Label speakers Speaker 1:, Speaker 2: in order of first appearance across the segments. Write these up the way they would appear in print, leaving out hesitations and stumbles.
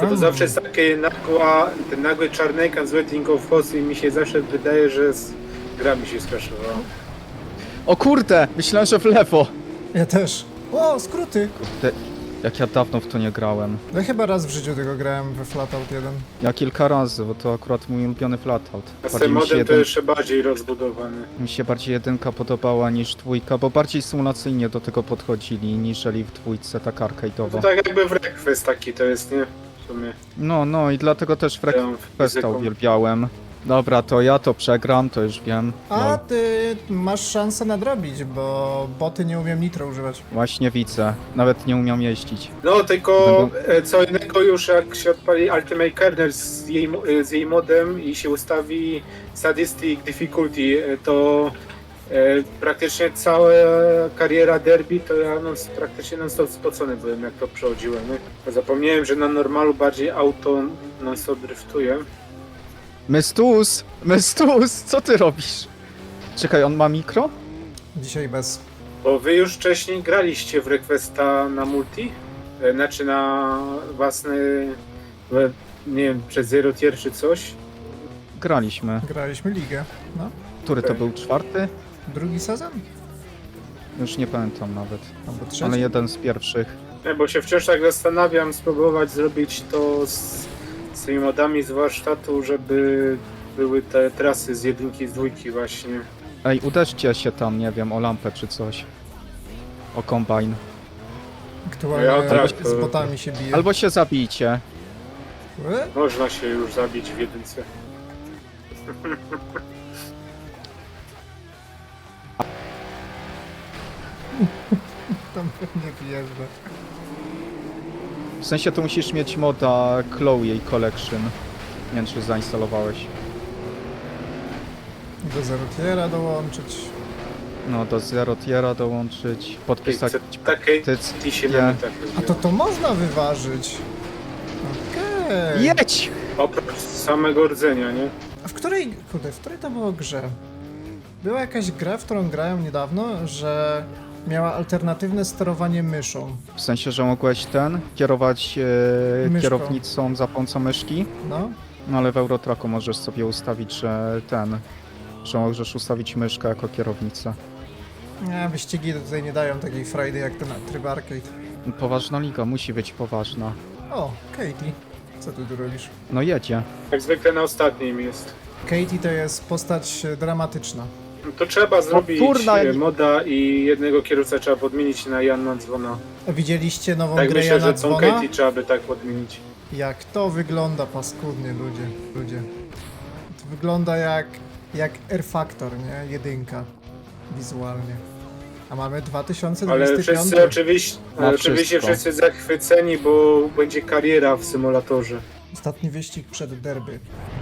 Speaker 1: To zawsze jest takie ten nagły czarny ekran z Waiting of Us i mi się zawsze wydaje, że gra mi się skraszowała.
Speaker 2: O kurde, myślałem, że w lewo.
Speaker 3: Ja też. O, skróty!
Speaker 2: Kurde, jak ja dawno w to nie grałem.
Speaker 3: Ja chyba raz w życiu tego grałem we Flatout 1.
Speaker 2: Ja kilka razy, bo to akurat mój ulubiony Flatout.
Speaker 1: A z tym modem to jeszcze bardziej rozbudowany.
Speaker 2: Mi się bardziej jedynka podobała niż dwójka, bo bardziej symulacyjnie do tego podchodzili, niżeli w dwójce, tak
Speaker 1: To
Speaker 2: arcade'owo.
Speaker 1: tak jakby w Request taki to jest, nie? W sumie.
Speaker 2: No i dlatego też
Speaker 1: Tam
Speaker 2: Festa
Speaker 1: fizyką.
Speaker 2: uwielbiałem. Dobra, to ja to przegram, to już wiem.
Speaker 3: A
Speaker 2: No,
Speaker 3: ty masz szansę nadrobić, bo boty nie umiem nitro używać.
Speaker 2: właśnie widzę. Nawet nie umiał jeździć.
Speaker 1: No tylko co innego już jak się odpali Ultimate Kernel z jej modem i się ustawi Sadistic Difficulty, to praktycznie cała kariera derby to ja praktycznie non-stop spocony byłem jak to przechodziłem. Nie? Zapomniałem, że na normalu bardziej auto non-stop driftuje.
Speaker 2: Mestus, co ty robisz? Czekaj, on ma mikro?
Speaker 3: Dzisiaj bez.
Speaker 1: Bo wy już wcześniej graliście w Requesta na multi? Znaczy na własny, nie wiem, przez Zero Tier czy coś?
Speaker 2: Graliśmy.
Speaker 3: Graliśmy ligę. No.
Speaker 2: Który to był, czwarty?
Speaker 3: Drugi sezon?
Speaker 2: Już nie pamiętam nawet.
Speaker 3: Albo trzeci?
Speaker 2: Ale jeden z pierwszych.
Speaker 1: Nie, bo się wciąż tak zastanawiam, spróbować zrobić to z tymi modami z warsztatu, żeby były te trasy z jedynki, z dwójki właśnie.
Speaker 2: Ej, uderzcie się tam, nie wiem, o lampę czy coś. O kombajn.
Speaker 3: Aktualnie
Speaker 1: Ja tak,
Speaker 3: z
Speaker 1: to-
Speaker 3: botami się bije.
Speaker 2: Albo się zabijcie.
Speaker 1: Można się już zabić w jedynce.
Speaker 3: Tam pewnie wjeżdża.
Speaker 2: W sensie to musisz mieć moda Chloe Collection. Nie wiem, czy zainstalowałeś.
Speaker 3: Do Zero Tiera dołączyć.
Speaker 2: No, do Zero Tiera dołączyć, podpisać
Speaker 1: Takie
Speaker 2: petycję.
Speaker 1: tisie
Speaker 2: Nie.
Speaker 1: na tak.
Speaker 3: A to można wyważyć. Okej.
Speaker 2: Jedź!
Speaker 1: Oprócz samego rdzenia, nie?
Speaker 3: A w której to było grze? Była jakaś gra, w którą grałem niedawno, że miała alternatywne sterowanie myszą.
Speaker 2: W sensie, że mogłeś kierować
Speaker 3: Myszką.
Speaker 2: kierownicą za pomocą myszki,
Speaker 3: No.
Speaker 2: no ale w Eurotracku możesz sobie ustawić, że możesz ustawić myszkę jako kierownicę.
Speaker 3: Nie, wyścigi tutaj nie dają takiej frajdy jak ten tryb arcade.
Speaker 2: Poważna liga, musi być poważna.
Speaker 3: O, Katie. Co ty tu robisz?
Speaker 2: No jedzie.
Speaker 1: Jak zwykle na ostatnim jest.
Speaker 3: Katie to jest postać dramatyczna.
Speaker 1: No to trzeba zrobić
Speaker 2: kurna,
Speaker 1: moda i jednego kierowcę trzeba podmienić na Janna Dzwona.
Speaker 3: A widzieliście nową
Speaker 1: Tak
Speaker 3: grę
Speaker 1: myślę,
Speaker 3: Jana
Speaker 1: że tą
Speaker 3: Dzwona?
Speaker 1: Katie trzeba by tak podmienić.
Speaker 3: Jak to wygląda paskudnie, ludzie. To wygląda jak R Factor, nie? Jedynka. Wizualnie. A mamy 2025.
Speaker 1: Ale wszyscy
Speaker 2: Ma
Speaker 1: oczywiście
Speaker 2: wszystko.
Speaker 1: wszyscy zachwyceni, bo będzie kariera w symulatorze.
Speaker 3: Ostatni wyścig przed derby.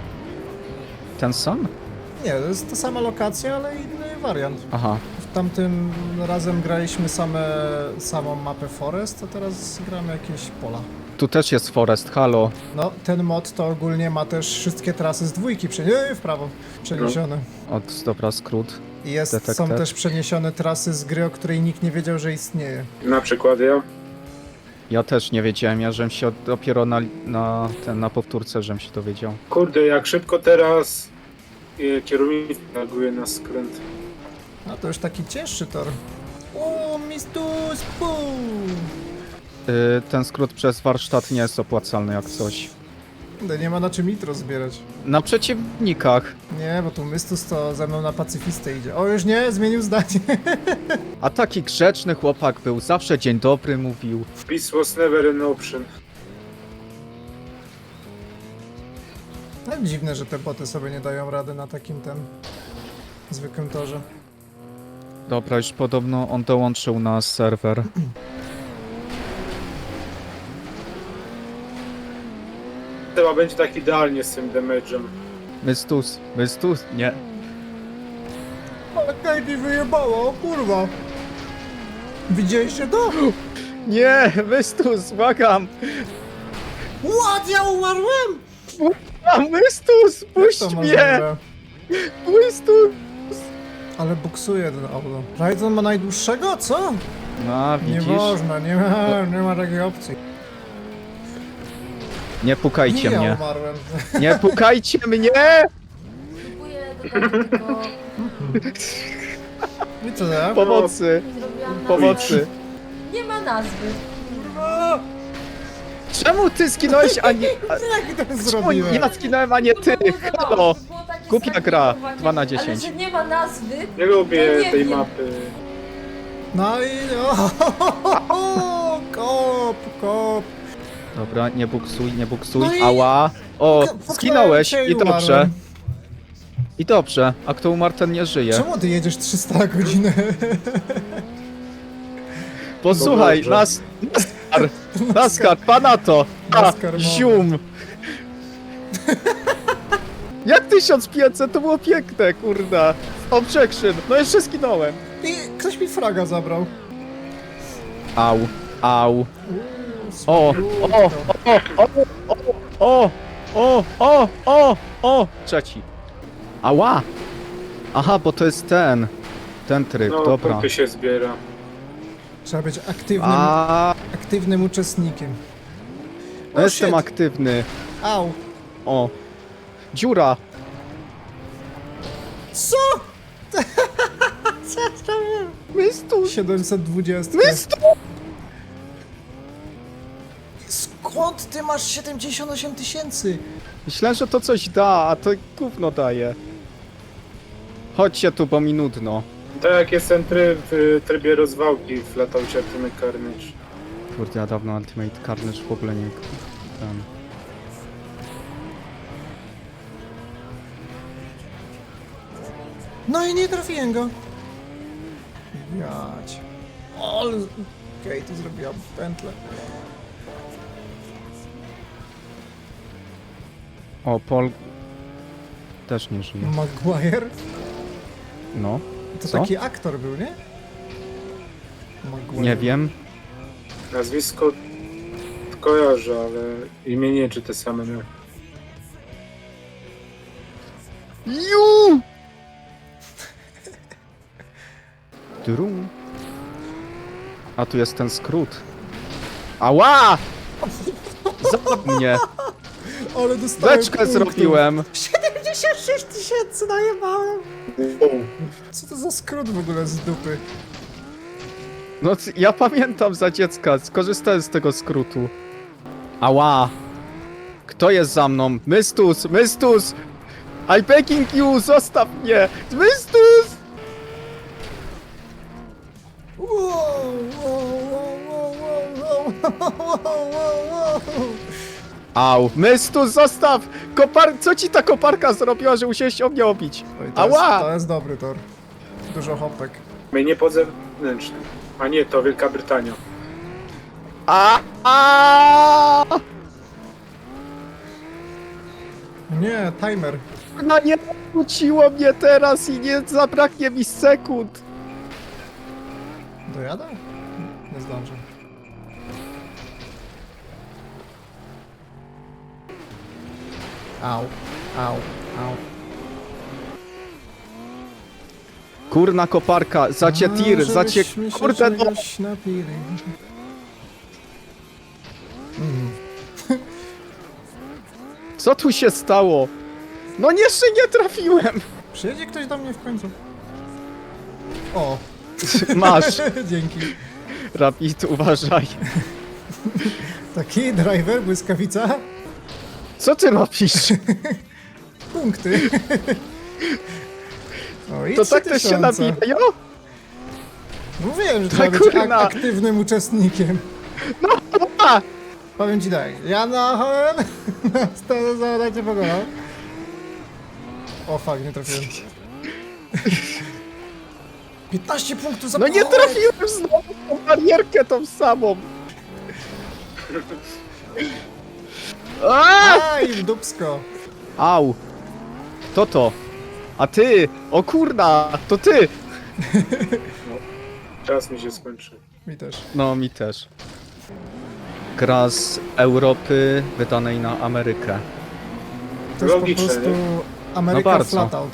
Speaker 2: Ten sam?
Speaker 3: Nie, to jest ta sama lokacja, ale inny wariant.
Speaker 2: Aha.
Speaker 3: W tamtym razem graliśmy samą mapę Forest, a teraz gramy jakieś pola.
Speaker 2: Tu też jest Forest, halo.
Speaker 3: No, ten mod to ogólnie ma też wszystkie trasy z dwójki w prawo przeniesione.
Speaker 2: Dobra, skrót.
Speaker 3: I są
Speaker 2: Detektyw.
Speaker 3: też przeniesione trasy z gry, o której nikt nie wiedział, że istnieje.
Speaker 1: Na przykład ja.
Speaker 2: Ja też nie wiedziałem, ja żem się dopiero na powtórce żem się dowiedział.
Speaker 1: Kurde, jak szybko teraz kierownik reaguje na skręt.
Speaker 3: A to już taki cięższy tor. O, mistus, pum!
Speaker 2: Ten skrót przez warsztat nie jest opłacalny jak coś.
Speaker 3: Nie ma na czym nitro zbierać.
Speaker 2: Na przeciwnikach.
Speaker 3: Nie, bo tu Mystus to ze mną na pacyfistę idzie. O, już nie, zmienił zdanie.
Speaker 2: A taki grzeczny chłopak był, zawsze dzień dobry mówił.
Speaker 1: Peace was never an option.
Speaker 3: Tak dziwne, że te boty sobie nie dają rady na takim zwykłym torze.
Speaker 2: Dobra, już podobno on dołączył na serwer.
Speaker 1: Chyba będzie tak idealnie z tym damage'em.
Speaker 2: Mystus, nie.
Speaker 3: Ale Katie wyjebała, o kurwa! Widzieliście to?
Speaker 2: Nie, Mystus, błagam!
Speaker 3: What? Ja umarłem?
Speaker 2: A Mystus, puść
Speaker 3: To
Speaker 2: mnie!
Speaker 3: możliwe.
Speaker 2: Mystus!
Speaker 3: Ale buksuje ten auto. Rajdon ma najdłuższego? Co?
Speaker 2: No,
Speaker 3: Nie
Speaker 2: widzisz?
Speaker 3: można, nie ma takiej opcji.
Speaker 2: Nie pukajcie
Speaker 3: Nie, ja
Speaker 2: mnie.
Speaker 3: umarłem.
Speaker 2: Nie pukajcie mnie!
Speaker 4: Próbuję dokończyć, tylko
Speaker 3: I co ja?
Speaker 2: Pomocy,
Speaker 4: nie zrobiłam nazwy.
Speaker 2: pomocy.
Speaker 4: Nie ma nazwy.
Speaker 2: Czemu ty zginąłeś, a nie...
Speaker 3: Jak to
Speaker 2: Czemu
Speaker 3: zrobiłem?
Speaker 2: ja zginąłem, a nie ty?
Speaker 4: To było zabawne,
Speaker 2: Halo!
Speaker 4: to było takie
Speaker 2: Głupia gra.
Speaker 4: zainteresowanie.
Speaker 2: 2 na
Speaker 4: Ale
Speaker 2: 10.
Speaker 4: że nie ma nazwy,
Speaker 1: Nie lubię
Speaker 4: To nie
Speaker 1: tej
Speaker 4: wiem.
Speaker 1: mapy.
Speaker 3: No i... O, kop.
Speaker 2: Dobra, nie buksuj, nie buksuj.
Speaker 3: No i-
Speaker 2: Ała! O,
Speaker 3: Puknąłem
Speaker 2: zginąłeś
Speaker 3: cię
Speaker 2: i dobrze.
Speaker 3: umarłem.
Speaker 2: I dobrze, a kto umarł, ten nie żyje.
Speaker 3: Czemu ty jedziesz 300 na godzinę?
Speaker 2: Posłuchaj,
Speaker 1: To dobrze.
Speaker 2: NASCAR, pana to! A,
Speaker 3: NASCAR mowy.
Speaker 2: zium! Jak 1500, to było piękne, kurda. Objection, no jeszcze zginąłem.
Speaker 3: I ktoś mi fraga zabrał.
Speaker 2: Au, au. O, o, trzeci. Ała! Aha, bo to jest ten tryb,
Speaker 1: No,
Speaker 2: dobra.
Speaker 1: punkty się zbiera.
Speaker 3: Trzeba być aktywnym,
Speaker 2: A,
Speaker 3: aktywnym uczestnikiem.
Speaker 2: no jestem
Speaker 3: shit.
Speaker 2: aktywny.
Speaker 3: Au.
Speaker 2: O, dziura.
Speaker 3: Co? Co ja zrobiłem?
Speaker 2: Mistu,
Speaker 3: 720.
Speaker 2: mistu!
Speaker 3: Skąd ty masz 78 000?
Speaker 2: Myślałem, że to coś da, a to gówno daje. Chodźcie tu, bo mi nudno.
Speaker 1: Tak jak jest ten tryb w trybie rozwałki w Lataucie Ultimate Carnage.
Speaker 2: Kurde, ja dawno Ultimate Carnage w ogóle nie... Ten.
Speaker 3: No i nie trafiłem go. Jać. Ale... Okej, tu zrobiłam pętlę.
Speaker 2: O, Paul... Też nie żyje.
Speaker 3: Maguire?
Speaker 2: No,
Speaker 3: To
Speaker 2: Co?
Speaker 3: taki aktor był, nie? Maguire.
Speaker 2: nie wiem.
Speaker 1: Nazwisko kojarzę, ale imię nie czy te same. Nie?
Speaker 2: Ju! Drum. A tu jest ten skrót. Ała! Zap mnie!
Speaker 3: Ale dostałem
Speaker 2: Beczkę
Speaker 3: punktów.
Speaker 2: zrobiłem!
Speaker 3: 76 000 najebałem!
Speaker 1: O,
Speaker 3: Co to za skrót w ogóle z dupy?
Speaker 2: No, ja pamiętam za dziecka, skorzystałem z tego skrótu. Ała! Kto jest za mną? Mystus! Mystus! I begging you! Zostaw mnie! Mystus!
Speaker 3: Wow, wow, wow, wow, wow, wow, wow, wow.
Speaker 2: Au! Mystus, zostaw! Co ci ta koparka zrobiła, że musiałeś o mnie obić?
Speaker 3: Oj, to jest,
Speaker 2: Ała!
Speaker 3: to jest dobry tor. Dużo hopek.
Speaker 1: mnie nie podzewnętrzny. A nie, to Wielka Brytania.
Speaker 2: A!
Speaker 3: Nie, timer.
Speaker 2: No nie wróciło mnie teraz i nie zabraknie mi sekund.
Speaker 3: Dojadę? Nie zdążę. Au, au, au.
Speaker 2: Kurna koparka, zacie tir, zacie...
Speaker 3: żebyśmy się
Speaker 2: Kurde no!
Speaker 3: czegoś napili.
Speaker 2: Co tu się stało? No jeszcze nie trafiłem!
Speaker 3: Przyjedzie ktoś do mnie w końcu. O,
Speaker 2: Masz,
Speaker 3: dzięki.
Speaker 2: Rapid, uważaj.
Speaker 3: Taki driver, błyskawica.
Speaker 2: Co ty robisz?
Speaker 3: Punkty. O, i
Speaker 2: To tak też się
Speaker 3: 3000.
Speaker 2: nabijają?
Speaker 3: Mówiłem, że
Speaker 2: Ta
Speaker 3: trzeba być
Speaker 2: kurna.
Speaker 3: aktywnym uczestnikiem.
Speaker 2: A!
Speaker 3: Powiem ci tak, ja na Hoen to zadajcie pokonał. O fuck, nie trafiłem. 15 punktów za
Speaker 2: No nie
Speaker 3: pochówek.
Speaker 2: trafiłem znowu w tą barierkę tą samą. A!
Speaker 3: Aj, w dupsko.
Speaker 2: Au! Kto to? A ty! O kurna! To ty!
Speaker 1: Czas mi się skończy.
Speaker 3: Mi też.
Speaker 2: No, mi też. Gra z Europy wydanej na Amerykę.
Speaker 3: To jest
Speaker 1: Logiczne,
Speaker 3: po prostu
Speaker 1: nie?
Speaker 3: Ameryka
Speaker 2: No bardzo.
Speaker 3: Flatout.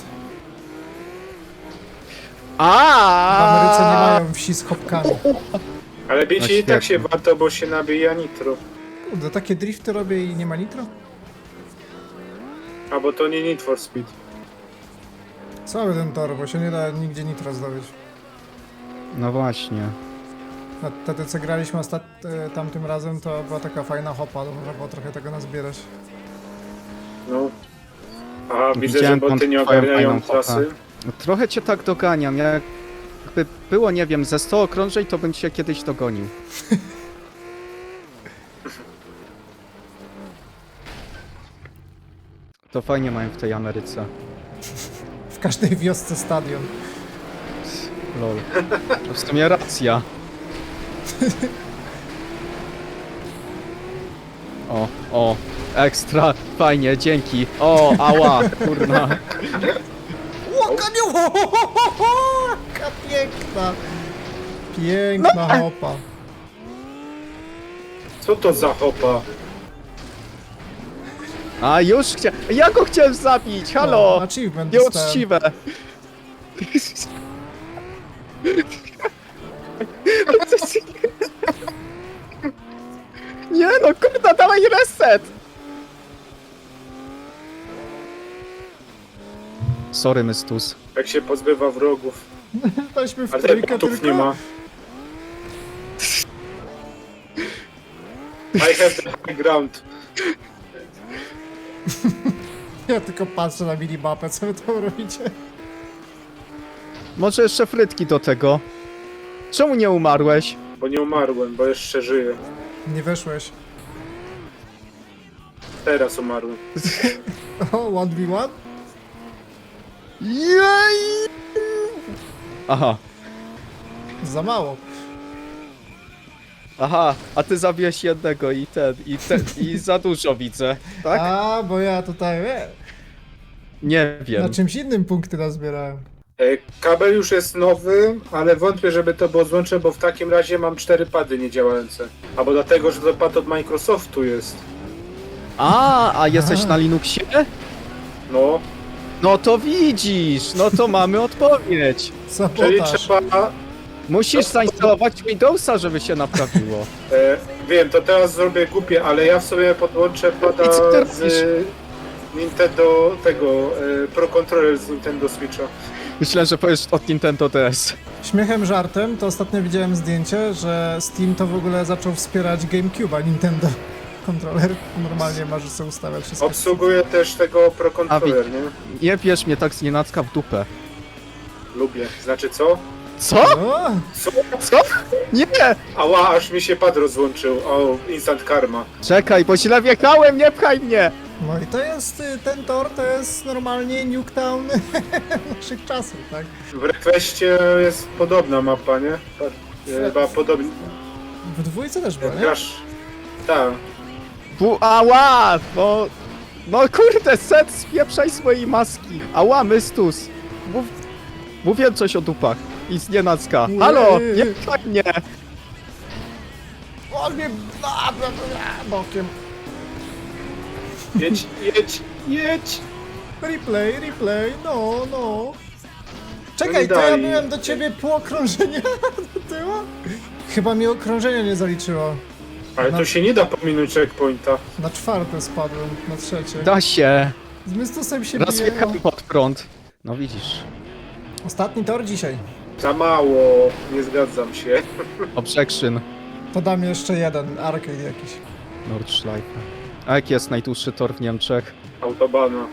Speaker 2: A!
Speaker 3: W Ameryce nie mają wsi z hopkami.
Speaker 1: Ale bicie
Speaker 2: No
Speaker 1: i tak się
Speaker 2: świetnie.
Speaker 1: warto, bo się nabija nitro.
Speaker 3: Kurde, takie drifty robię i nie ma nitro?
Speaker 1: A bo to nie Need for Speed.
Speaker 3: Cały ten tor, bo się nie da nigdzie nitro zdobyć.
Speaker 2: No właśnie.
Speaker 3: A wtedy co graliśmy tamtym razem, to była taka fajna hopa, to można było trochę tego nazbierać.
Speaker 1: No. A widzę, że
Speaker 2: Widziałem
Speaker 1: boty
Speaker 2: tam
Speaker 1: nie
Speaker 2: twoją
Speaker 1: ogarniają
Speaker 2: fajną
Speaker 1: trasy.
Speaker 2: hopę. No, trochę cię tak doganiam. Jakby było, nie wiem, ze 100 okrążeń, to bym cię kiedyś dogonił. To fajnie mają w tej Ameryce.
Speaker 3: W każdej wiosce stadion.
Speaker 2: Lol. No w sumie racja. O, ekstra, fajnie, dzięki. O, ała, kurna.
Speaker 3: Łoka nie! Jaka piękna! Piękna hopa.
Speaker 1: Co to za hopa?
Speaker 2: A już ja go chciałem zabić, halo!
Speaker 3: Achievement dostałem.
Speaker 2: Nieuczciwe. Nie no, kurna, dawaj reset! Sorry, Mystus.
Speaker 1: Jak się pozbywa wrogów.
Speaker 3: Weźmy w
Speaker 1: Ale
Speaker 3: trójkę
Speaker 1: botów
Speaker 3: tylko.
Speaker 1: nie ma. I have the high ground.
Speaker 3: Ja tylko patrzę na minimapę, co wy tam robicie.
Speaker 2: Może jeszcze frytki do tego. Czemu nie umarłeś?
Speaker 1: Bo nie umarłem, bo jeszcze żyję.
Speaker 3: Nie weszłeś.
Speaker 1: Teraz umarłem.
Speaker 3: O, 1v1?
Speaker 2: Jej! Aha,
Speaker 3: Za mało.
Speaker 2: a ty zabiłeś jednego i za dużo widzę, tak?
Speaker 3: A, bo ja tutaj,
Speaker 2: Nie wiem.
Speaker 3: na czymś innym punkty nazbierałem.
Speaker 1: Kabel już jest nowy, ale wątpię, żeby to było złącze, bo w takim razie mam 4 pady niedziałające. Albo dlatego, że to pad od Microsoftu jest.
Speaker 2: A jesteś
Speaker 3: Aha.
Speaker 2: na Linuxie?
Speaker 1: No,
Speaker 2: No to widzisz, no to mamy odpowiedź.
Speaker 1: czyli
Speaker 3: Sabotaż.
Speaker 1: trzeba...
Speaker 2: Musisz zainstalować Windowsa, żeby się naprawiło.
Speaker 1: Wiem, to teraz zrobię głupie, ale ja w sobie podłączę pada
Speaker 2: I co ty
Speaker 1: z
Speaker 2: robisz?
Speaker 1: Nintendo tego, Pro Controller z Nintendo Switcha.
Speaker 2: Myślę, że powiesz od Nintendo DS.
Speaker 3: Śmiechem, żartem, to ostatnio widziałem zdjęcie, że Steam to w ogóle zaczął wspierać GameCube'a Nintendo. Kontroler normalnie może sobie ustawiać wszystko.
Speaker 1: Obsługuję też tego Pro Controller, nie?
Speaker 2: Nie bierz mnie tak z nienacka w dupę.
Speaker 1: Lubię. Znaczy co?
Speaker 2: Co?
Speaker 3: O,
Speaker 1: Co?
Speaker 2: Co? Nie!
Speaker 1: Ała, aż mi się pad rozłączył. O, instant karma.
Speaker 2: Czekaj, bo źle wjechałem, nie pchaj mnie!
Speaker 3: no i to jest, ten tor to jest normalnie Nuketown naszych czasów, tak?
Speaker 1: W Requestie jest podobna mapa, nie? Chyba podobnie.
Speaker 3: W dwójce też było, nie?
Speaker 1: Grasz... Tak.
Speaker 2: Ała! No kurde, set, spieprzaj swojej maski. Ała, Mystus. Mówię coś o dupach. I z nienacka. Halo, nie pchaj mnie!
Speaker 3: O, mnie bokiem.
Speaker 1: Jedź, jedź, jedź!
Speaker 3: Replay, no. Czekaj,
Speaker 1: No
Speaker 3: to ja
Speaker 1: daj.
Speaker 3: byłem do ciebie pół okrążenia do tyłu? Chyba mi okrążenia nie zaliczyło.
Speaker 1: Ale to się nie da pominąć checkpointa.
Speaker 3: Na czwarte spadłem, na trzecie.
Speaker 2: Da się.
Speaker 3: Z Mystusem się
Speaker 2: Raz
Speaker 3: biję.
Speaker 2: jechałem pod prąd. No widzisz.
Speaker 3: Ostatni tor dzisiaj.
Speaker 1: Za mało, nie zgadzam się.
Speaker 2: Objection.
Speaker 3: To dam jeszcze jeden, arcade jakiś.
Speaker 2: Nordschleife. A jaki jest najdłuższy tor w Niemczech?
Speaker 1: Autobana.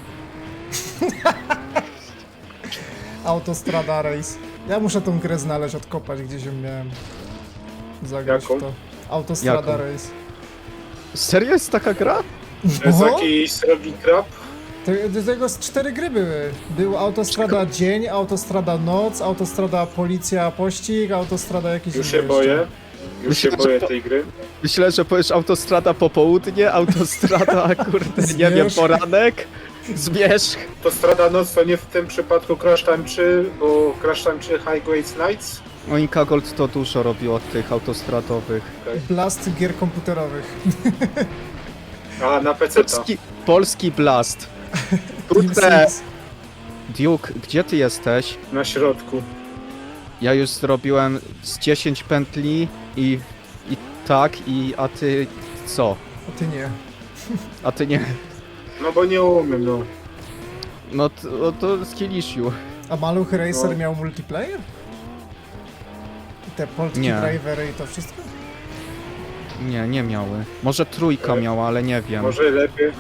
Speaker 3: Autostrada Race. Ja muszę tą grę znaleźć, odkopać, gdzieś ją miałem. Zagrać
Speaker 1: Jaką?
Speaker 3: w to. Autostrada
Speaker 2: Jaką?
Speaker 3: Race.
Speaker 2: Serio jest taka gra?
Speaker 1: To jest
Speaker 3: Oho.
Speaker 1: jakiś srogi krab.
Speaker 3: Do tego z 4 gry były. Był Autostrada Dzień, Autostrada Noc, Autostrada Policja Pościg, Autostrada jakiś
Speaker 1: Już
Speaker 3: inny
Speaker 1: się boję.
Speaker 3: jeszcze.
Speaker 1: Już się
Speaker 2: Myślę, że
Speaker 1: boję
Speaker 2: to-
Speaker 1: tej gry.
Speaker 2: Myślę, że powiesz autostrada popołudnie, autostrada, kurde, nie wiem,
Speaker 3: Zmierzch.
Speaker 2: poranek, zmierzch.
Speaker 1: To Strada Noc to nie w tym przypadku Crash Time 3, bo Crash Time 3 Highways Nights.
Speaker 2: Monika Gold to dużo robi od tych autostradowych.
Speaker 3: Blast gier komputerowych.
Speaker 1: A, na PC.
Speaker 2: Polski Blast.
Speaker 3: Team
Speaker 2: Kurde,
Speaker 3: Six.
Speaker 2: Duke, gdzie ty jesteś?
Speaker 1: Na środku.
Speaker 2: Ja już zrobiłem z 10 pętli a ty co?
Speaker 3: A ty nie.
Speaker 2: A ty nie.
Speaker 1: No bo nie umiem, no.
Speaker 2: No to Skillishu.
Speaker 3: A Maluch Racer
Speaker 1: No.
Speaker 3: miał multiplayer? I te Polski
Speaker 2: Nie.
Speaker 3: drivery i to wszystko?
Speaker 2: Nie miały. Może trójka miała, ale nie wiem.
Speaker 1: Może lepiej.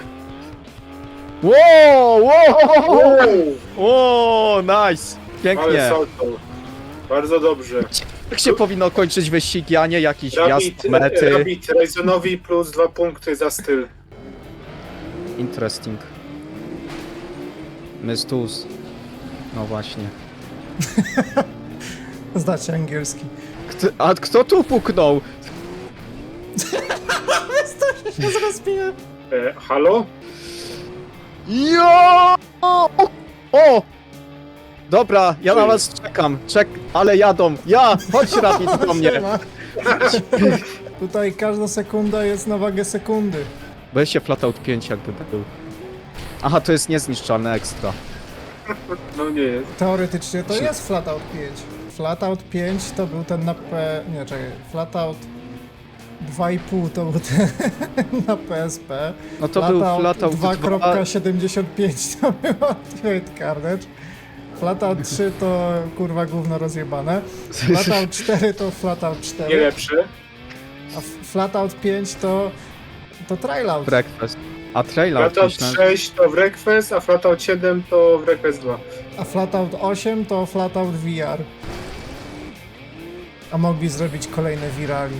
Speaker 2: Wow, wow!
Speaker 1: Uuu,
Speaker 2: O, nice!
Speaker 1: ale
Speaker 2: Pięknie.
Speaker 1: salto. Bardzo dobrze.
Speaker 2: Jak się powinno kończyć wyścigi, a nie jakiś wjazd mety?
Speaker 1: Rabbit Ryzenowi plus 2 punkty za styl.
Speaker 2: Interesting. Mystus. No właśnie.
Speaker 3: Znacie angielski.
Speaker 2: A kto tu puknął?
Speaker 3: Ja zrespiłem.
Speaker 1: Halo?
Speaker 2: Jo! O! Dobra, ja na was czekam. Ale jadą. Chodź Rabbit do mnie.
Speaker 3: Siema. Tutaj każda sekunda jest na wagę sekundy.
Speaker 2: Weź się Flatout 5 jakby był. Aha, to jest niezniszczalne ekstra.
Speaker 1: No nie jest.
Speaker 3: Teoretycznie to jest Flatout 5. Flatout 5 to był ten na Nie, czekaj. Flatout 2,5 to był ten na PSP.
Speaker 2: No to był Flatout 2.
Speaker 3: 2.75 to był Ultimate Carnage. Flatout 3 to kurwa gówno rozjebane. Flatout 4 to Flatout 4.
Speaker 1: Nie lepsze.
Speaker 3: A Flatout 5 to Trailout.
Speaker 2: Breakfast. A Trailout
Speaker 1: Flatout
Speaker 2: myślałem.
Speaker 1: 6 to w Request, a Flatout 7 to w Request 2.
Speaker 3: A Flatout 8 to Flatout VR. A mogli zrobić kolejne virali.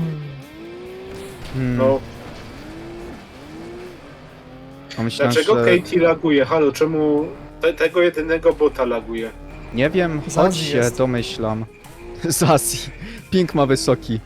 Speaker 1: No.
Speaker 2: A myślałem,
Speaker 1: Dlaczego
Speaker 2: że...
Speaker 1: Katie laguje? Halo, czemu tego jedynego bota laguje?
Speaker 2: Nie wiem,
Speaker 3: Z
Speaker 2: choć
Speaker 3: Azji
Speaker 2: się
Speaker 3: jest.
Speaker 2: domyślam. Z Azji. Ping ma wysoki.